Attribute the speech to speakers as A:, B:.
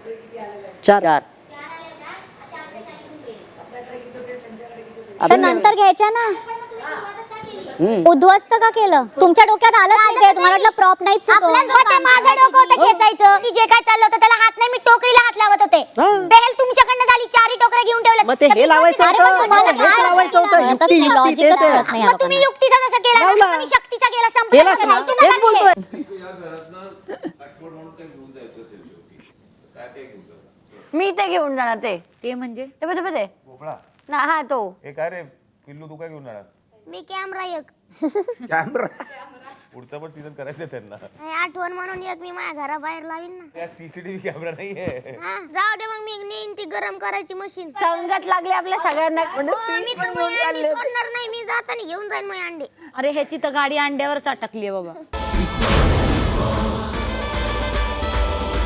A: 4
B: तर नंतर घ्यायच्या ना. उद्ध्वस्त का केलं? तुमच्या डोक्यात आलं नाही काय? तुम्हाला वाटलं प्रॉप नाहीच
C: माझं डोकं होतं खेचायचं की जे काय चाललं होतं त्याला हात नाही, मी टोकरीला हात लावत होते. बेल तुमच्याकडनं झाली, 4 टोकऱ्या घेऊन ठेवल्या.
A: मग ते हे लावायचं होतं, हेच लावायचं होतं. युक्ती युक्ती तेच आहे.
C: मग तुम्ही युक्तीचा जसं केला
A: लावला.
C: तुम्ही शक्तीचा केला,
A: केलास ना?
C: संपला.
A: हेच बोलतोय.
D: मी ते घेऊन जाणार. ते
B: म्हणजे
D: ते
E: भोपळा
D: ना, हा तो.
E: हे काय रे पिल्लू, तू काय घेऊन जाणार?
C: मी कॅमेरा एक
A: कॅमेरा
E: पुढचं पण सीझन करायचं त्यांना.
C: आठवण म्हणून एक मी माझ्या घराबाहेर लावीन ना.
E: या सीसीटीव्ही कॅमेरा नाहीये.
C: जाऊ दे मग, मी नेईन ती गरम करायची मशीन.
D: संगत लागले आपल्या सगळ्यांना.
C: मी तर अंडी सोडणार नाही, मी जाताना घेऊन जाईन मग अंडे.
D: अरे ह्याची तर गाडी अंड्यावरच अटकली आहे बाबा.